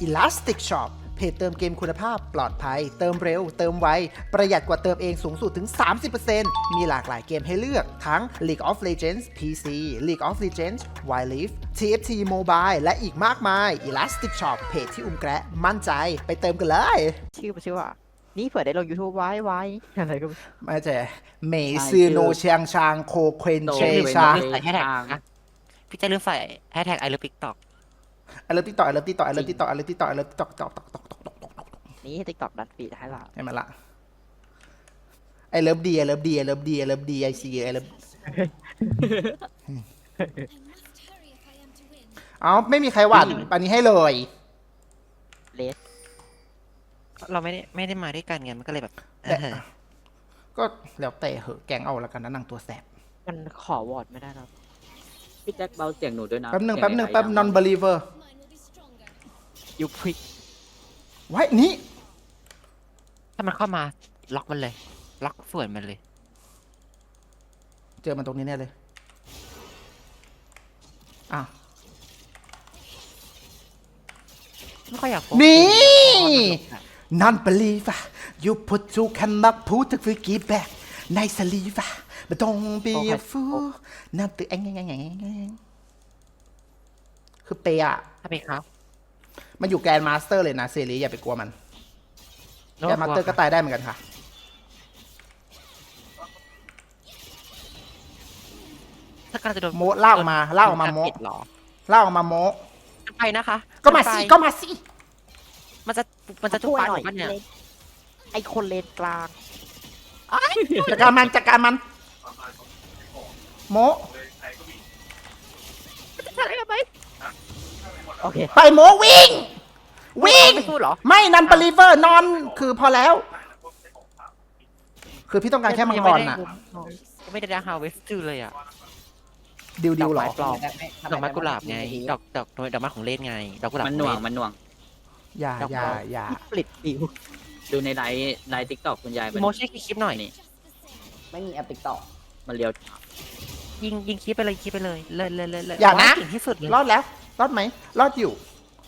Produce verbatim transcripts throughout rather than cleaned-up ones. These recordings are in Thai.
Elastic Shop เพจเติมเกมคุณภาพปลอดภัยเติมเร็วเติมไวประหยัดกว่าเติมเองสูงสุดถึง สามสิบเปอร์เซ็นต์ มีหลากหลายเกมให้เลือกทั้ง League of Legends พี ซี League of Legends Wild Rift ที เอฟ ที Mobile และอีกมากมาย Elastic Shop เพจที่อุ้มแกะมั่นใจไปเติมกันเลยชื่อมันชื่อว่านี่เผื่อได้ลง YouTube ไว้ไว้อะไรก็ไม่รู้ไม่ใช่เมซือโนเชียงชางโคเควนเชชาใส่แฮชแท็กนะพี่จะลืมใส่แฮชแท็กไอเลิฟติ๊กต็อกไอเลิฟติ๊กต็อกไอเลิฟติ๊กต็อกไอเลิฟติ๊กต็อกไอเลิฟติ๊กต็อกไอเลิฟติ๊กต็อกตอกตอกตอกตอกตอกตอกตอกนี่ TikTok ดันฟีดให้เราให้มันละไอเลิฟดีไอเลิฟดีไอเลิฟดีไอเลิฟดีไอซีไอเลิฟเอาไม่มีใครหวัดอันนี้ให้เลยเลสเราไม่ได้ไม่ได้มาด้วยกันไงมันก็เลยแบบเออก็แล้วแต่เหอะแกงเอาละกันนะนางตัวแสบมันขอวอร์ดไม่ได้หรอกพี่แจ็คเบาเสียงหนูด้วยนะแป๊บหนึ่งเสีแป๊ยบหนึ่งไอ้แป๊บไอ้ non believer ยูพริกไว้นี่ถ้ามันเข้ามาล็อกมันเลย ล็อกส่วนมันเลยเจอมันตรงนี้แน่เลยอ่ะไม่ค่อยอยากโฟกัสนี่ non believer you put to cannot put the freaky back ในสลีฟะไม่ต้อง be a fool นั่นตือแองแองแองแองแองคือเปย์อะถ้าเป็นครับมันอยู่แกรนด์มาสเตอร์เลยนะเซรีอย่าไปกลัวมันแกรนด์มาสเตอร์ก็ตายได้เหมือนกันค่ะถ้าการจะโดนโมลากออกมาลากออกมาโมปิดหรอลากออกมาโมไปนะคะก็มาสิไปก็มาสิมันจะมันจะทุบช่วยปากหน่อยมันเนี่ยเลนไอคนเลนกลางจัดการมันจัดการมันโมอะไรกันไปโอเคไปโมวิ่ง วิ่งไม่พูดเหรอไม่นันบลีเวอร์นอนคือพอแล้ว คือพี่ต้องการแค่มังกรน่ะยังไม่ได้ดังฮาวเวสต์เลยอ่ะดิวดิวหรอปลอมดอกไม้กุหลาบไง ดอกดอกดอกไม้ของเล่นไง ดอกกุหลาบมันหน่วงมันหน่วงอย่าอย่าอย่าปลิดดิวดูในไลฟ์ไลฟ์ทิกตอกคุณยายมันโมช่วยคลิปหน่อยนี่ไม่มีแอปติ๊กต็อกมันเลียวยิงยิงคลิปไปเลยคลิปไปเลยเลยเลยเลยเลยอย่านะเก่งที่สุดเลยรอดแล้ว รอดไหม รอดอยู่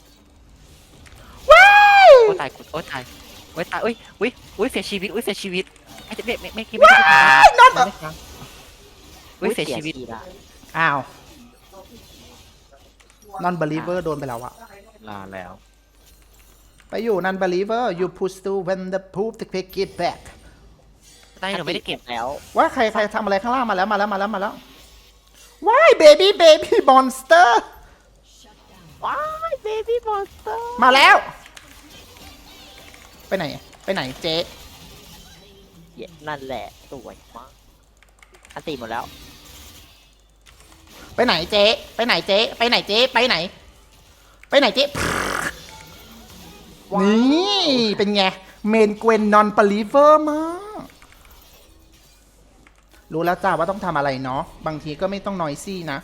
ว้ายโอ้ตายโอ้ตายโอ้ตายอุ้ยอุ้ยอุ้ยเสียชีวิตอุ้ยเสียชีวิตไม่ไม่ไม่ไม่คิดไม่ได้ว้ายนอนอุ้ยเสียชีวิตละอ้าว non believer โดนไปแล้วอะลาแล้วไปอยู่ non believer you push to when the poop to pick it back ตายหนูไม่ได้เก็บแล้วว่าใครใครทำอะไรข้างล่างมาแล้วมาแล้วมาแล้วมาแล้วว้าย baby baby monster ว้ายเบบี้มอนสเตอร์มาแล้ว ไปไหน ไปไหนเจ๊นั่นแหละสวยมากอันตีหมดแล้วไปไหนเจ๊ ไปไหนเจ๊ ไปไหนเจ๊ ไปไหน ไปไหนเจ๊ว้าวนี่ เป็นไง เมนเกวนนอนปลีเวอร์มาก รู้แล้วจ้าว่าต้องทำอะไรเนาะ บางทีก็ไม่ต้องนอยซี่นะ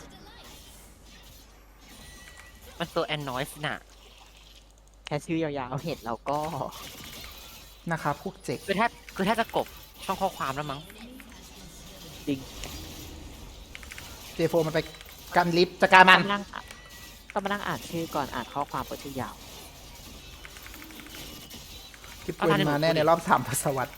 มันตัวแอนนอยส์น่ะแค่ชื่อยาวๆเห็นเราก็นะครับพวกเจ๊กคือแทบคือแทบจะกบช่องข้อความแล้วมั้งเจโฟมันไปกันลิฟต์จัดการมันต้องมานั่งต้องมานั่งอ่านชื่อก่อนอ่านข้อความเปิดชื่อยาวคลิปเวนมาแน่ในรอบสามทศวรรษ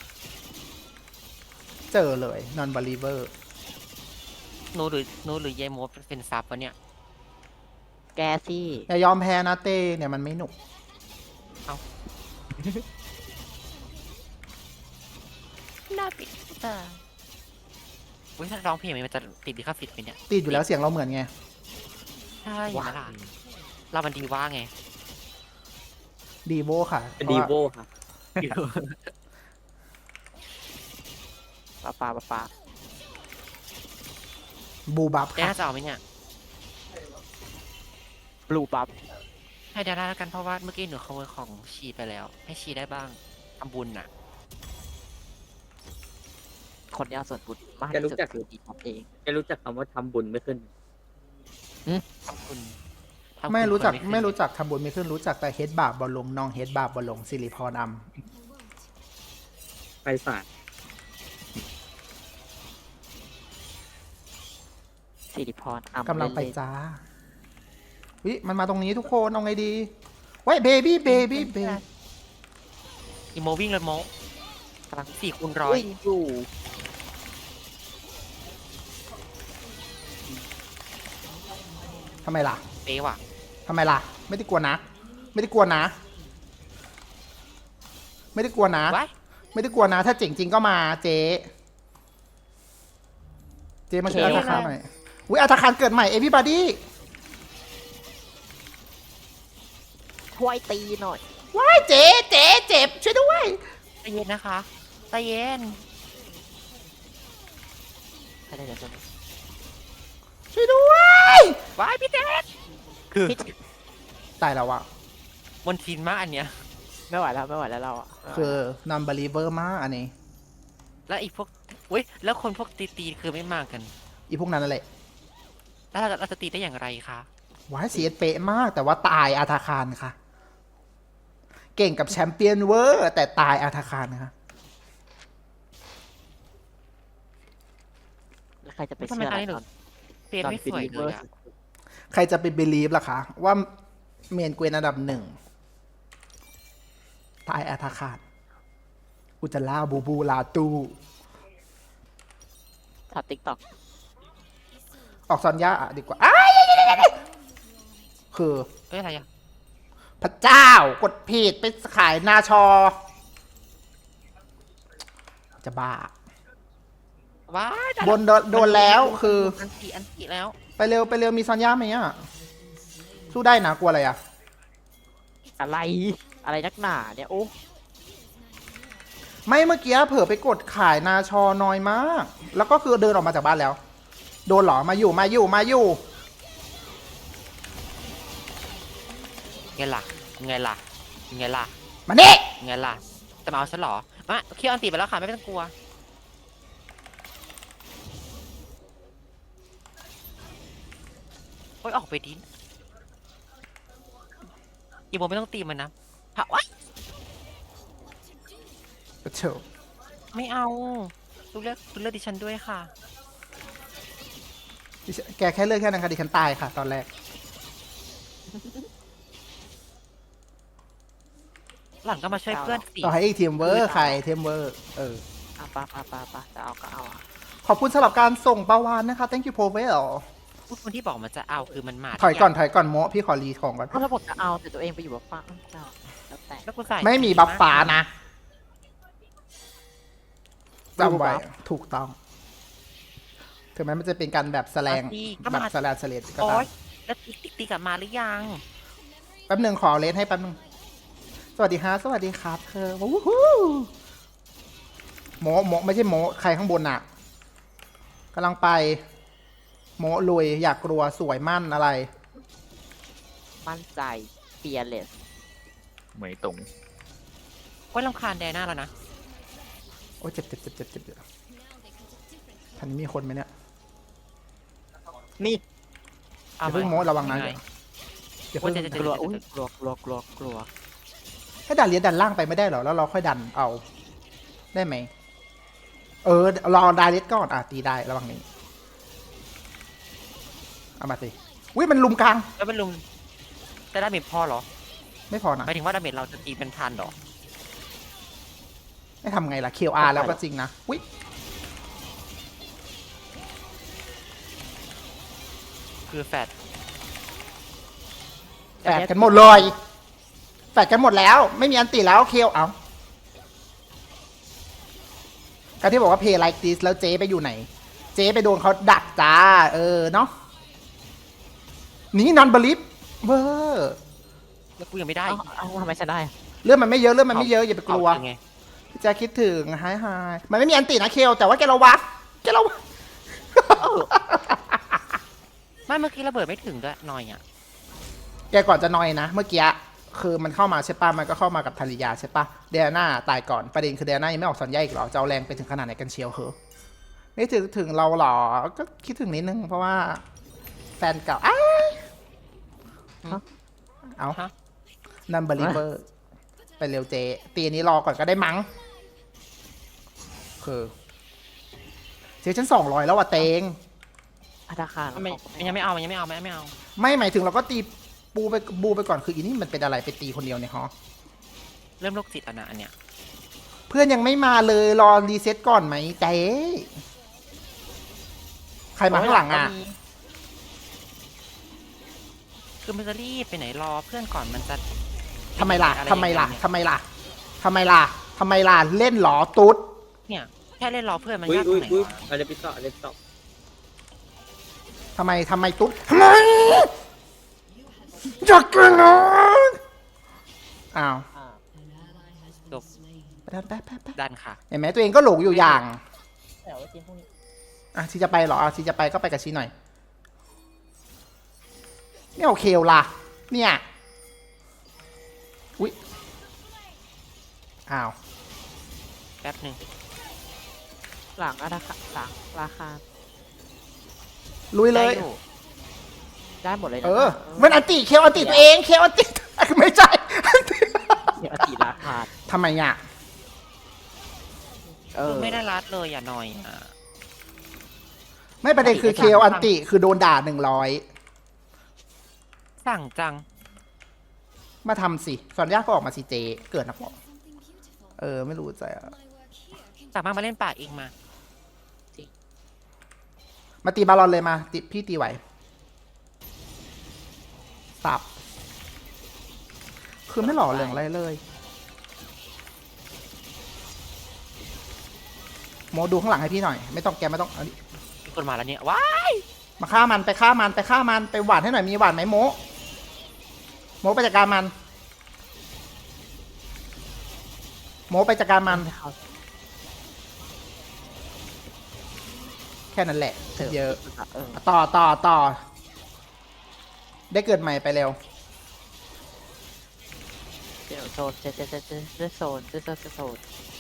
เจอเลย non believer หนูหรือหนูหรือยายโมเป็นซับวะเนี่ยแกซี่อย่ายอมแพ้นะเต้เนี่ยมันไม่หนุกน่าปิดตาอุ้ยถ้าร้องเพลงมันจะติดดิคาฟิตไปเนี่ยติดอยู่แล้วเสียงเราเหมือนไงใช่ไหมล่ะเรามันดีว่าไงดีโวค่ะเป็นดีโวครับป้าป้าป้าป้าบูบับแกค่ะน่าจะเอาไหมเนี่ยบลูบัฟให้ดาราแล้วกันเพราะว่าเมื่อกี้หนูขโมยของชีไปแล้ว ให้ชีได้บ้างทำบุญน่ะคนยาวส่วนบุญมากแกรู้ที่สุดจักคือดีท็อปเองแกรู้จักคำว่าทำบุญไม่ขึ้นทำบุญทำบุญไม่รู้จักคนขึ้นไม่รู้จักทำบุญไม่ขึ้นรู้จักแต่เฮดบาปบอลลงน้องเฮดบาปบอลลงสิริพรอไปศาสตร์สิริพรอ่ำำกำลังไปเนๆจ้าวิมันมาตรงนี้ทุกคนเอาไงดีไว้เบบี้เบบี้เบอีโมวิ่งเลยโมกำลังสี่คูณร้อยวิ่งอยู่ทำไมล่ะเป๊ะว่ะทำไมล่ะ ไม่ได้กลัวนะ ไม่ได้กลัวนะ ไม่ได้กลัวนะไว้ไม่ได้กลัวนะ ถ้าเจ๋งจริงก็มาเจ๊เจ๊มาช่วยอาธาคารหน่อยอุ้ยอาธาคารเกิดใหม่เอพี่บาดี้ช่วยตีหน่อยว้ายเจ๊เจ๊เจ็บช่วยด้วยใจเย็นนะคะใจเย็นใครได้เดี๋ยวจะช่วยด้วยไว้พี่เจษคือตายแล้วอะบนทีนมากอันเนี้ยไม่ไหวแล้วไม่ไหวแล้วเราอะคือ non believer มากอันนี้แล้วอีกพวกอุ้ยแล้วคนพวกตีตีๆคือไม่มากันอีพวกนั้นนั่นแหละแล้วเราเราจะตีได้อย่างไรคะว้ายเสียเป๊ะมาก แต่ว่าตายอาธาคารค่ะ เก่งกับแชมเปี้ยนเวอร์แต่ตายอาธาคารนะคะแล้วใครจะไปทำไมเชื่อตอนอะไรนี้หนูตอนเตียนไม่สวยเลยอะใครจะไปเบลีฟล่ะคะ ว่าเมนเกวนอันดับหนึ่งตายอาธาคารอุจจาระบูบูลาตูทับติ๊กต็อกออกซอนย่าดีกว่าอ้ายคือเอ้ยอะไรอะพระเจ้ากดผิดไปขายนาชอ จะบ้าว้ายบนโดนโดนแล้วคืออันตีอันตีแล้วไปเร็วไปเร็วมีซอนย่าไหมอ่ะ สู้ได้นะกลัวอะไรอ่ะอะไรอะไรนักหนาเนี่ยโอ้ไม่เมื่อกี้เผลอไปกดขายนาชอน้อยมาก แล้วก็คือเดินออกมาจากบ้านแล้ว โดนเหรอมาอยู่มาอยู่มาอยู่ไงล่ะไงล่ะไงล่ะมานี่ไงล่ะจะมาเอาฉันเหรอมาเคี่ยวอันตีไปแล้วค่ะไม่ต้องกลัวโอ้ยออกไปดิอีโมไม่ต้องตีมันนะผ่าวะเฉียวไม่เอาดูเลือกดูเลือกดิฉันด้วยค่ะดิฉันแกแค่เลือกแค่นั้นค่ะดิฉันตายค่ะ ตอนแรกหลังก็มาช่วยเพื่อนสิต่อให้อีกทีมเวอร์ใครทีมเวอร์เอออาปะปะปะปะจะเอาก็เอาอะขอบคุณสำหรับการส่งประวานนะคะ thank you p o v e l พูดคนที่บอกมันจะเอาคือมันมาถอยก่อนถอยก่อนโมะพี่ขอรีของก่อนก็ถ้าบอกจะเอาแต่ตัวเองไปอยู่กับฟ้าเจ้าแล้วแต่แล้วกูใส่ไม่มีบัฟฟ้านะจำไว้บัฟถูกต้อง ถึงแม้มันจะเป็นการแบบแสลงมาสิก็แบบมาสแลนสเลดก็โอ๊ตามยแล้วติ๊กติ๊กติ๊กกลับมาหรือยังแป๊บหนึ่งขอเลนให้แป๊บหนึงสวัสดีฮะสวัสดีครับเธอวู้ฮู้โมโมไม่ใช่โมใครข้างบนน่ะกำลังไป โมลุยอยากกลัวสวยมั่นอะไรมั่นใจเฟียร์เลสเหมยตงโอ๊ยรำคาญแดน่าแล้วนะโอ้ยเจ็บเจ็บเจ็บเจ็บเจ็บเจ็บทันนี้มีคนไหมเนี่ยนี่อย่าเพิ่งโมระวังนะไอย่าโอ้เพิ่ยงเจ็บกลัวอุ้ยกลัวกลัวกลัวกลัวให้ดันเลียนดันล่างไปไม่ได้เหรอแล้วเราค่อยดันเอา ได้ไหมเออรอดาเลียนก่อนอ่ะตีได้ระวังนี้เอามาสิอุ้ยมันลุมกลางแล้วเป็นลุงแต่ดาเมจพอเหรอไม่พอนะหมายถึงว่าดาเมจเราจะตีเป็นพันเหรอไม่ทำไงล่ะ คิว อาร์ แล้วก็จริงนะอุ้ยคือแฟดแฝดกันหมดเลยแฝดกันหมดแล้ว ไม่มีอันติแล้วคิวเอาการที่บอกว่า play like this แล้วเจ๊ไปอยู่ไหน เจ๊ไปโดนเขาดักจ้า เออเนาะนี่นอนบลิฟเวอร์แล้วกูยังไม่ได้เอาเอาทำไมฉันได้เรื่องมันไม่เยอะเรื่องมันไม่เยอะอย่าไปกลัวเอาไงพี่แจะคิดถึงไฮไฮมันไม่มีอันตินะเคลแต่ว่าแกระวังแกระวังไม่เมื่อกี้ระเบิดไม่ถึงด้วยหน่อยอ่ะแกก่อนจะนอยนะ เมื่อกี้คือมันเข้ามาใช่ปะมันก็เข้ามากับธาริยาใช่ปะเดียนาตายก่อนประเด็นคือเดียนายังไม่ออกสัญญาอีกเหรอจะเอาแรงไปถึงขนาดไหนกันเชียวเหรอไม่ถึงถึงเราเหรอก็คิดถึงนิดนึงเพราะว่า แฟนเก่าอ้ายเอาฮะนัมเบอร์ลิเวอร์ไปเร็วเจตีอันนี้รอก่อนก็ได้มั้งคือเจฉันสองร้อยแล้วว่ะเตงพัฒนาคารมันไม่มันยังไม่เอามันยังไม่เอามันยังไม่เอาไม่หมายถึงเราก็ตีบูไปบูไปก่อนคืออีนี่มันเป็นอะไรไปตีคนเดียวเนี่ยฮะเริ่มโรคจิตแล้วนะอันเนี้ยเพื่อนยังไม่มาเลยรอรีเซ็ตก่อนไหมเจ๊ใครมาข้างหลังอ่ะคือมันจะรีบไปไหนรอเพื่อนก่อนมันจะทำไมล่ะอรทำไมล่ะอย่างเงี้ยทำไมล่ะทำไมล่ะทำไมล่ะเล่นหรอตุ๊ดเนี่ยแค่เล่นรอเพื่อนมันอุ้ยยากตรอุ้งยไหนอุ้ยวะอะไรปิต่ออะไรปิต่อทำไมทำไมตุ๊ดทำไมอยากกินนะอ้าวอ่าจบไปไปไปไปดันค่ะเห็นไหมตัวเองก็หลงอยู่อย่างแต่ว่าทีมพวกนี้อ่ะชีจะไปเหรออ่ะชีจะไปก็ไปกับชีหน่อยไม่โอเคล่ะเนี่ยอุ๊ยอ้าวแป๊บหนึ่งหลังราคาหลังราคาลุยเลยได้อได้หมดเลยนะเออมันอันติเคลอันติตัวเองเคลอันติ ไม่ใช่เดี๋ยวอติราคาทำไมอ่ะเออคือไม่ได้รัดเลยอย่าหน่อยอ่ะไม่ประเด็นคือเคลอันติคือโดนด่าหนึ่งร้อยสั่งจังมาทำสิสอนยากก็ออกมาสิเจ เกิดนะบอกเออ ไม่รู้ใจอ่ะสามารถมาเล่นป่าเองมามาตีบาลอนเลยมาติพี่ตีไหวสับ คือไม่หล่อเหลืองอะไรเลย โมดูข้างหลังให้พี่หน่อย ไม่ต้องแกไม่ต้องอันนี้มีคนมาแล้วเนี่ยว้ายมาฆ่ามันไปฆ่ามันไปฆ่ามันไปหวานให้หน่อยมีหวานไหมโมโมไปจัดการมัน โมไปจัดการมัน แค่นั้นแหละ เยอะเออต่อต่อต่อ ได้เกิดใหม่ไปเร็วเดี๋ยวโซนเจเจเจเจเจโซนเจโซนเจโซน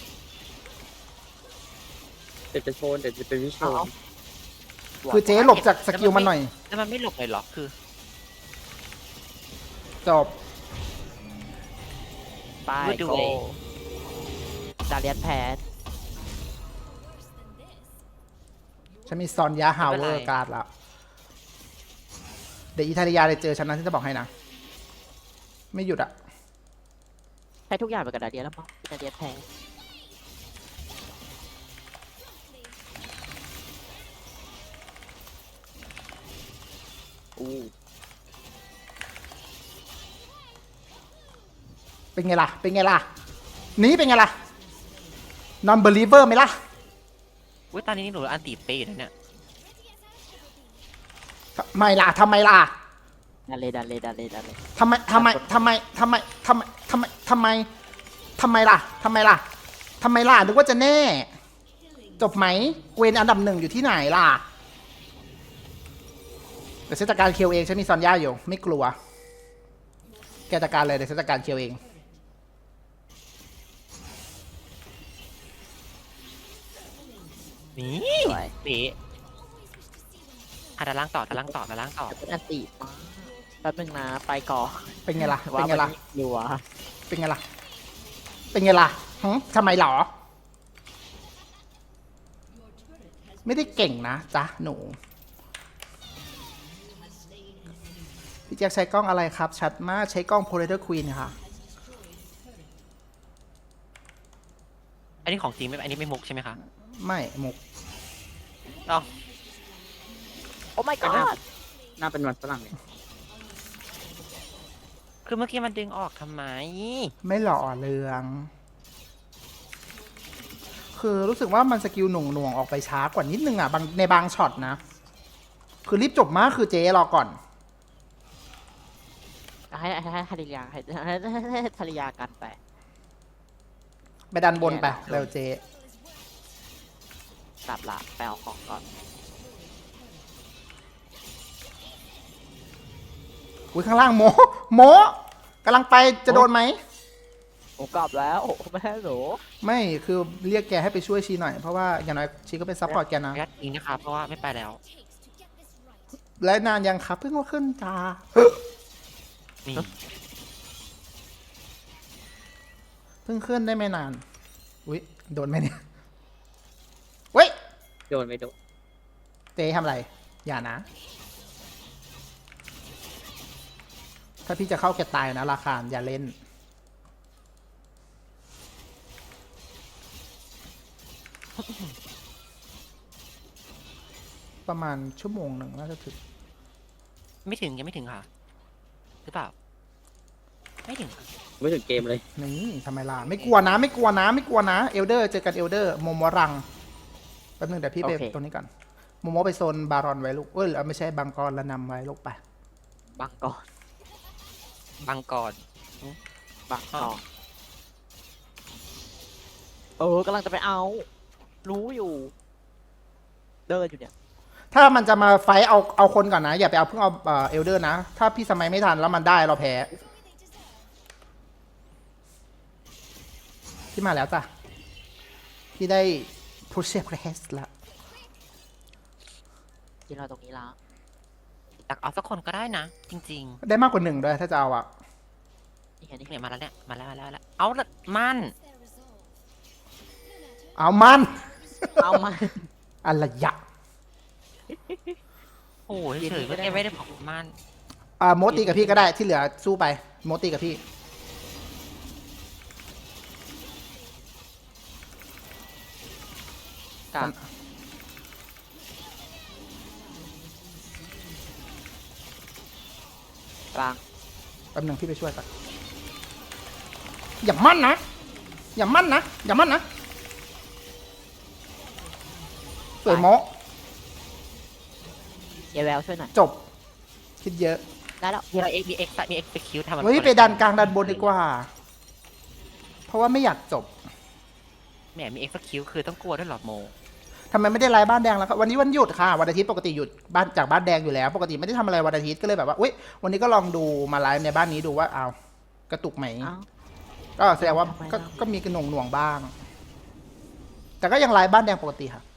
เดี๋ยวจะโชว์เดี๋ยวจะเป็นวิชเอาวลเอาคือเจ๊หลบจากสกิลมันหน่อยแล้วมันไม่หลบเลยเหรอคือจบไปโกดาเลียนแพทฉันมีซอนยาฮาวเวอร์การ์ดแล้ว เดี๋ยวอิตาลียาได้เจอฉันนะที่จะบอกให้นะ ไม่หยุดอะใช้ทุกอย่างไปกับดาเลียนแล้วมั้งดาเลียนแพทอู้เป็นไงล่ะ เป็นไงล่ะ นี้เป็นไงล่ะ non believer ไหมล่ะอุ้ยตอนนี้หนูอันตีเปย์อยู่นะเนี่ยทำไมล่ะทำไมล่ะดาเลดาเลดาเลดาเลทำไมทำไมทำไมทำไมทำไมทำไมทำไมทำไมล่ะทำไมล่ะทำไมล่ะนึกว่าจะแน่ จบไหมเวนอันดับหนึ่งอยู่ที่ไหนล่ะเดี๋ยวฉันจัดการเคียวเองฉันมีซอนย่าอยู่ไม่กลัว แกจัดการเลยเดี๋ยวฉันจัดการเคียวเองนี่สวยเป๊ะอ่ะด้านล่างต่อด้านล่างต่อด้านล่างต่อเป็นอันติมาแป๊บนึงนะไปก่อนเป็นไงล่ะว่าเป็นไงล่ะมันรัวเป็นไงล่ะ เป็นไงล่ะหึทำไมหรอ ไม่ได้เก่งนะจ๊ะหนู พี่แจ็คใช้กล้องอะไรครับ ชัดมากใช้กล้อง Polaroid Queen ค่ะอันนี้ของจริงไหมอันนี้ไม่มุกใช่ไหมคะไม่มุกอ๋อโอ้ my god หน้าเป็นวันฝรั่งเลยคือเมื่อกี้มันดึงออกทำไมไม่หล่อเรือง คือรู้สึกว่ามันสกิลหน่วงหน่วงๆออกไปช้ากว่านิดนึงอ่ะบางในบางช็อตนะ คือรีบจบมากคือเจ๊รอก่อนให้ให้ให้ภรรยาให้ให้ให้ให้ภรรยากันไปไปดันบนไปเร็วเจ๊กลับละไปเอาของก่อนอุ้ยข้างล่างโมโมกำลังไปจะโดนไหมโอ้กลับแล้วโอ้แม่หนูไม่คือเรียกแกให้ไปช่วยชีหน่อย เพราะว่าอย่างน้อยชีก็เป็นซัพพอร์ตแกนะยัดอิงนะคะ เพราะว่าไม่ไปแล้วและนานยังครับเพิ่งมาขึ้นจ้านี่เพิ่งขึ้นได้ไม่นาน อุ้ยโดนไหมเนี่ยเว้ยโดนไม่โดนเจ๊ทำอะไร อย่านะถ้าพี่จะเข้าแกตายนะราคาอย่าเล่น ประมาณชั่วโมงหนึ่งน่าจะถึงไม่ถึงยังไม่ถึงค่ะหรือเปล่า ไม่ถึงค่ะไม่ถึงเกมเลยนี่ทำไมล่ะ ไม่กลัวนะ ไม่กลัวนะ ไม่กลัวนะเอลเดอร์เจอกันเอลเดอร์โมโมรังแป๊บนึงเดี๋ยวพี่ไปตรงนี้ก่อนโมโมไปโซนบารอนไว้ลูกเอ้ยไม่ใช่บังกรละนำไว้ลูกไปบังก่อนบางกอนบังก่อนเออกำลังจะไปเอา รู้อยู่ เดินอยู่เนี่ยถ้ามันจะมาไฟท์เอาเอาคนก่อนนะ อย่าไปเอาเพิ่งเอาเอลเดอร์นะ ถ้าพี่สมัยไม่ทันแล้วมันได้เราแพ้พี่มาแล้วจ้ะพี่ได้พุชเชฟเรสแล้วยืนรอตรงนี้แล้วอยากเอาสักคนก็ได้นะ จริงได้มากกว่าหนึ่งด้วยถ้าจะเอาอะนี่ไงนี่ๆเนี่ยมาแล้วเนี่ยมาแล้วมาแล้วมาแล้วเอาละมันเอามันเอามาอะไรยะโอ้ยเฉยๆเมื่อกี้ไม่ได้บอกมันอ่าโมตีกับพี่ก็ได้ที่เหลือสู้ไปโมตีกับพี่กลางกลางแป๊บนึงพี่ไปช่วยก่อนอย่ามั่นนะอย่ามั่นนะอย่ามั่นนะสวยโมเยแววช่วยหน่อยจบ คิดเยอะได้แล้วมีอะไรเอ็กมีเอ็กซ์มีเอ็กซ์ไปคิวทำมันเฮ้ยไปดันกลางดันบนดีกว่า เพราะว่าไม่อยากจบแหมมีเอ็กซ์คิวคือต้องกลัวด้วยเหรอโมทำไมไม่ได้ไลฟ์บ้านแดงแล้วครับวันนี้วันหยุดค่ะวันอาทิตย์ปกติหยุดบ้านจากบ้านแดงอยู่แล้ว ปกติไม่ได้ทำอะไรวันอาทิตย์ก็เลยแบบว่าอุ้ยวันนี้ก็ลองดูมาไลฟ์ในบ้านนี้ดูว่าเอากระตุกไหมเอ้าก็แสดงว่าทำไมก็ล่ะก็มีกระหน่วงหน่วงๆบ้าง แต่ก็ยังไลฟ์บ้านแดงปกติค่ะ